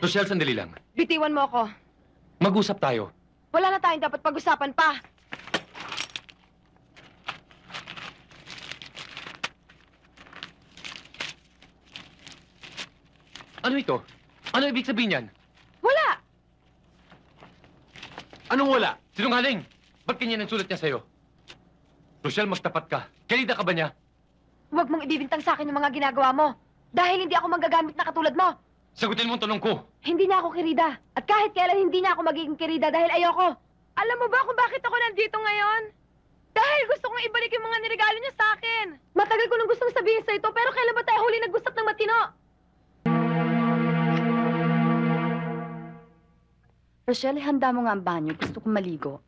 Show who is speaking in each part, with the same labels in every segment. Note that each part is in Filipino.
Speaker 1: Rochelle, sandali lang.
Speaker 2: Bitiwan mo ako.
Speaker 1: Mag-usap tayo.
Speaker 2: Wala na tayong dapat pag-usapan pa.
Speaker 1: Ano ito? Ano ibig sabihin yan?
Speaker 2: Wala!
Speaker 1: Anong wala? Sinungaling! Ba't ganyan ang sulat niya sa'yo? Rochelle, magtapat ka. Kalida ka ba niya?
Speaker 2: Huwag mong ibibintang sa akin yung mga ginagawa mo. Dahil hindi ako manggagamit na katulad mo.
Speaker 1: Sagutin mo ang tanong ko.
Speaker 2: Hindi na ako kirida. At kahit kailan hindi na ako magiging kirida dahil ayoko. Alam mo ba kung bakit ako nandito ngayon? Dahil gusto kong ibalik yung mga niregalo niya sa akin. Matagal ko nang gustong sabihin sa ito, pero kailan ba tayo huli nag-usap ng matino?
Speaker 3: Rochelle, handa mo nga ang banyo. Gusto kong maligo.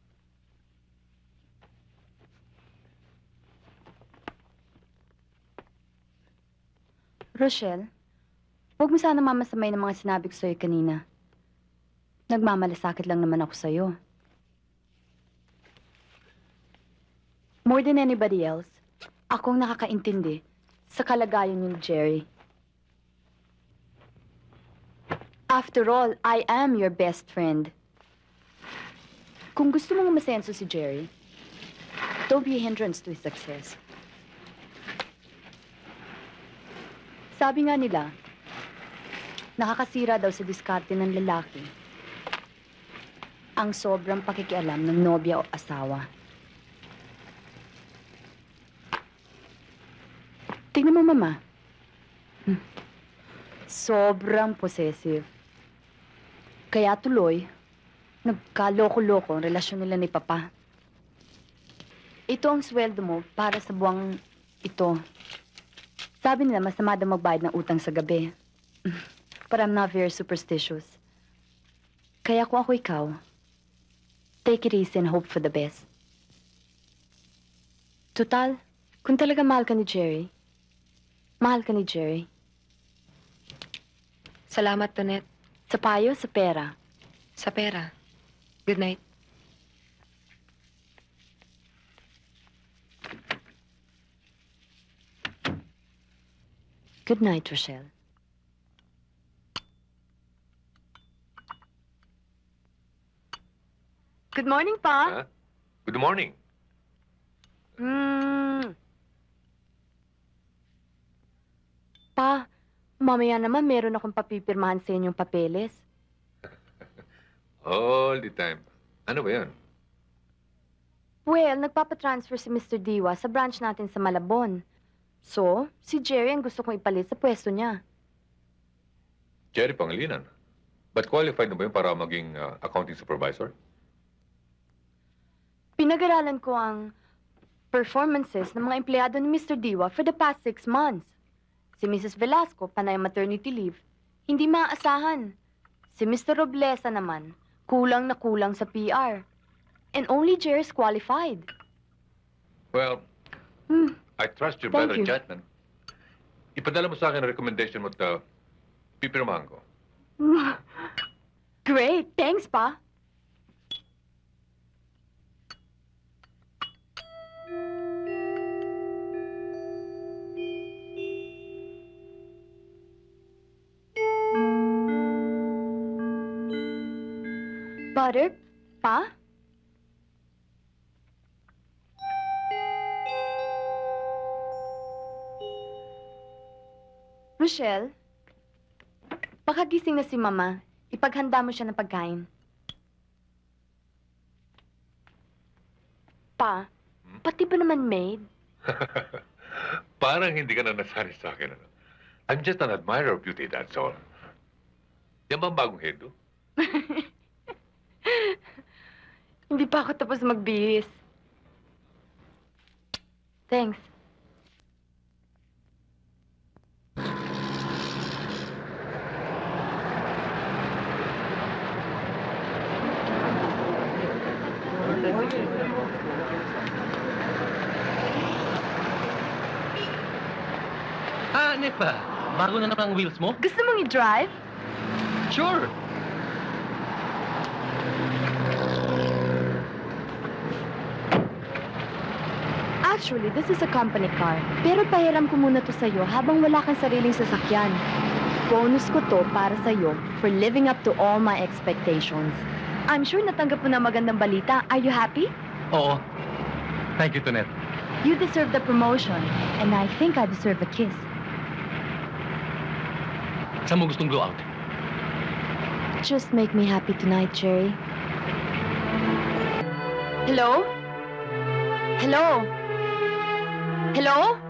Speaker 3: Rochelle, huwag mo sana mamasamay ng mga sinabi ko sa'yo kanina. Nagmamalasakit lang naman ako sa'yo. More than anybody else, akong nakakaintindi sa kalagayan ni Jerry. After all, I am your best friend. Kung gusto mong masenso si Jerry, don't be a hindrance to his success. Sabi nga nila, nakakasira daw sa diskarte ng lalaki ang sobrang pakikialam ng nobya o asawa. Tingnan mo, Mama. Sobrang possessive. Kaya tuloy, nagkaloko-loko ang relasyon nila ni Papa. Ito ang sweldo mo para sa buwang ito. Sabi nila, masama daw magbayad ng utang sa gabi. But I'm not very superstitious. Kaya kung ako ikaw, take it easy and hope for the best. Total, kung talaga mahal ka ni Jerry, mahal ka ni Jerry.
Speaker 2: Salamat, Tonet.
Speaker 3: Sa payo, sa pera.
Speaker 2: Sa pera. Good night.
Speaker 3: Good night, Rochelle. Good morning, Pa.
Speaker 4: Huh? Good morning.
Speaker 3: Pa, mamaya naman meron akong papipirmahan sa inyong papeles.
Speaker 4: All the time. Ano ba yan?
Speaker 3: Well, nagpapatransfer si Mr. Diwa sa branch natin sa Malabon. So, si Jerry ang gusto kong ipalit sa pwesto niya.
Speaker 4: Jerry Pangilinan. But qualified na ba yun para maging accounting supervisor?
Speaker 3: Pinag-aralan ko ang performances ng mga empleyado ni Mr. Diwa for the past 6 months. Si Mrs. Velasco, panay maternity leave. Hindi maaasahan. Si Mr. Roblesa naman, kulang na kulang sa PR. And only Jerry is qualified.
Speaker 4: Well, I trust your
Speaker 3: Thank
Speaker 4: better
Speaker 3: you.
Speaker 4: judgment. Ipadala mo sa akin ang recommendation mo at pipirmahan ko.
Speaker 3: Great. Thanks, Pa. Butter? Pa? Rochelle, pakagising na si Mama. Ipaghanda mo siya ng pagkain. Pa, pati ba naman maid?
Speaker 4: Parang hindi ka na nasanay sa akin. Ano? I'm just an admirer of beauty, that's all. Yan ba ang bagong hedo?
Speaker 3: Hindi pa ako tapos magbihis. Thanks.
Speaker 1: Nepa, bago na naman ang wheels mo?
Speaker 3: Gusto mong i-drive?
Speaker 1: Sure.
Speaker 3: Actually, this is a company car. Pero pahiram ko muna to sa'yo habang wala kang sariling sasakyan. Bonus ko to para sa'yo for living up to all my expectations. I'm sure natanggap mo na magandang balita. Are you happy?
Speaker 1: Oo. Thank you, Tonet.
Speaker 3: You deserve the promotion, and I think I deserve a kiss.
Speaker 1: Saan mo gustong go out?
Speaker 3: Just make me happy tonight, Jerry. Hello? Hello? Hello?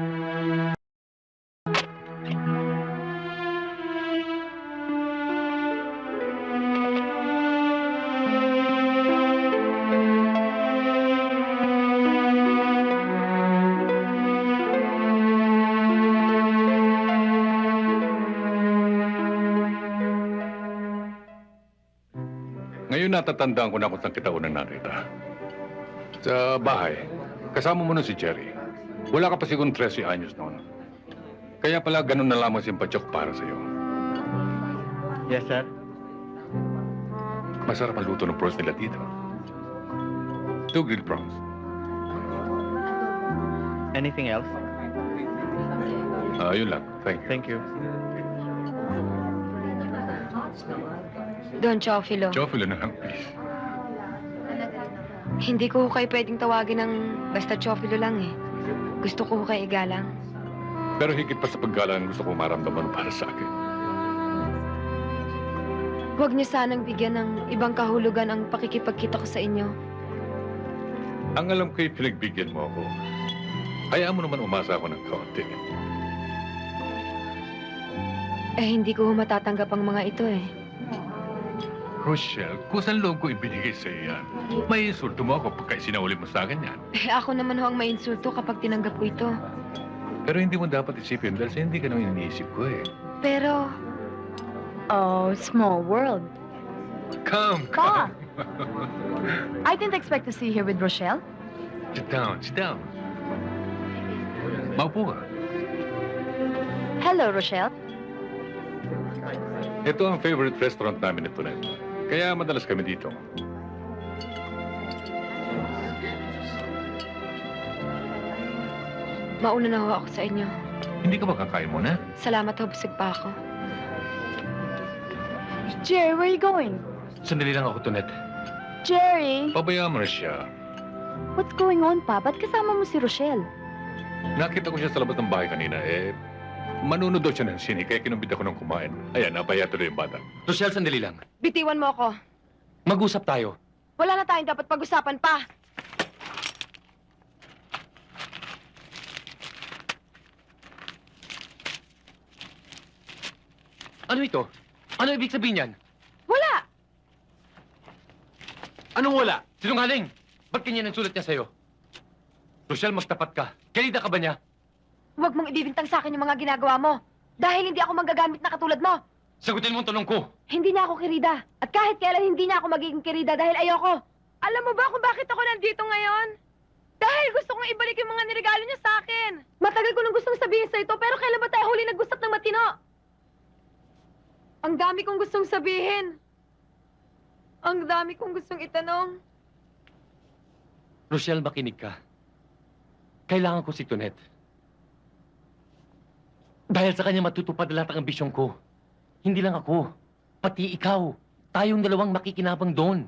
Speaker 5: Ngayon natatandaan ko na kung saan kita unang nakita. Sa bahay, kasama mo nun si Jerry. Wala ka pa sigurong 13 anyos noon. Kaya pala ganun na lamang simpatsok para sa'yo.
Speaker 6: Yes, sir.
Speaker 5: Masarap ang luto ng prawns nila dito. 2 grilled prawns.
Speaker 6: Anything else?
Speaker 5: Yun lang. Thank you.
Speaker 6: Thank you.
Speaker 2: Don Chofilo,
Speaker 5: Chofilo na lang, please.
Speaker 2: hindi ko kayo pwedeng tawagin ng basta Chofilo lang eh. Gusto ko kayo igalang.
Speaker 5: Pero higit pa sa paggalang gusto ko maramdaman para sa akin.
Speaker 2: Huwag niyo sanang bigyan ng ibang kahulugan ang pakikipagkita ko sa inyo.
Speaker 5: Ang alam ko'y pinagbigyan mo ako. Hayaan mo naman umasa ako ng kaunti.
Speaker 2: Eh, hindi ko matatanggap ang mga ito eh.
Speaker 5: Rochelle, kusang loob ko ibinigay sa iyo yan. May insulto mo ako pagka isinahuli mo sa akin yan.
Speaker 2: Eh, ako naman ho ang mainsulto kapag tinanggap ko ito.
Speaker 5: Pero hindi mo dapat isipin dahil sa hindi ka naman iniisip ko eh.
Speaker 2: Pero,
Speaker 3: Oh, small world.
Speaker 5: Come,
Speaker 3: Pa!
Speaker 5: come.
Speaker 3: I didn't expect to see you here with Rochelle.
Speaker 5: Sit down, sit down. Maupo ka.
Speaker 3: Hello, Rochelle.
Speaker 5: Ito ang favorite restaurant namin ito na. Kaya madalas kami dito.
Speaker 2: mauna na ho ako sa inyo.
Speaker 5: Hindi ka ba kakain muna?
Speaker 2: Salamat ho, busog pa ako.
Speaker 3: Jerry, where are you going?
Speaker 1: Sandali lang ako, Tonet.
Speaker 3: Jerry!
Speaker 5: Pabayaan mo na siya.
Speaker 3: What's going on, pa? Ba't kasama mo si Rochelle?
Speaker 5: Nakita ko siya sa labas ng bahay kanina manunod daw siya ng sine kaya kinumbit ako ng kumain. Ayan, napaya tuloy yung bata.
Speaker 1: Rochelle, sandali lang.
Speaker 2: Bitiwan mo ako.
Speaker 1: Mag-usap tayo.
Speaker 2: Wala na tayong dapat pag-usapan pa.
Speaker 1: Ano ito? Ano ibig sabihin yan?
Speaker 2: Wala!
Speaker 1: Anong wala? Sinungaling! Ba't ganyan ang sulat niya sa'yo? Rochelle, magtapat ka. Kalida ka ba niya?
Speaker 2: Huwag mong ibibintang sa akin yung mga ginagawa mo. Dahil hindi ako manggagamit na katulad mo.
Speaker 1: Sagutin mo ang tanong ko.
Speaker 2: Hindi na ako kirida. At kahit kailan hindi na ako magiging kirida dahil ayoko. Alam mo ba kung bakit ako nandito ngayon? Dahil gusto kong ibalik yung mga niregalo niya sa akin. Matagal ko nang gustong sabihin sa ito, pero kailan ba tayo huli nag-usap ng matino? Ang dami kong gustong sabihin. Ang dami kong gustong itanong.
Speaker 1: Rochelle, makinig ka. Kailangan ko si Tonet. Dahil sa kanya matutupad lahat ang ambisyon ko. Hindi lang ako, pati ikaw. Tayong dalawang makikinabang doon.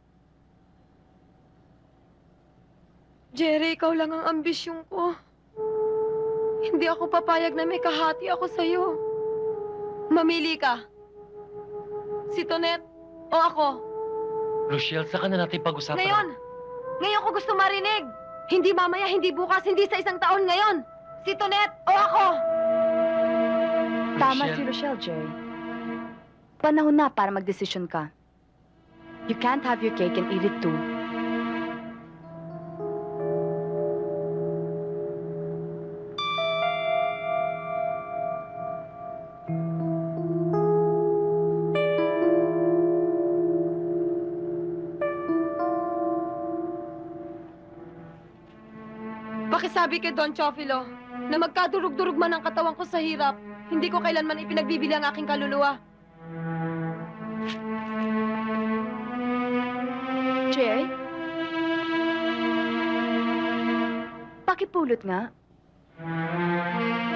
Speaker 2: Jerry, ikaw lang ang ambisyon ko. Hindi ako papayag na may kahati ako sa'yo. Mamili ka. Si Tonet o ako.
Speaker 1: Rochelle, saka na natin pag-usapan.
Speaker 2: Ngayon! Ngayon ko gusto marinig! Hindi mamaya, hindi bukas, hindi sa isang taon ngayon! Si Tonet o ako!
Speaker 3: Tama
Speaker 1: Rochelle.
Speaker 3: si Rochelle, Jerry. Panahon na para magdesisyon ka. You can't have your cake and eat it too.
Speaker 2: Pakisabi kay Don Chofilo na magkadurog-durog man ang katawan ko sa hirap, hindi ko kailanman ipinagbibili ang aking kaluluwa.
Speaker 3: Jerry? Pakipulot nga.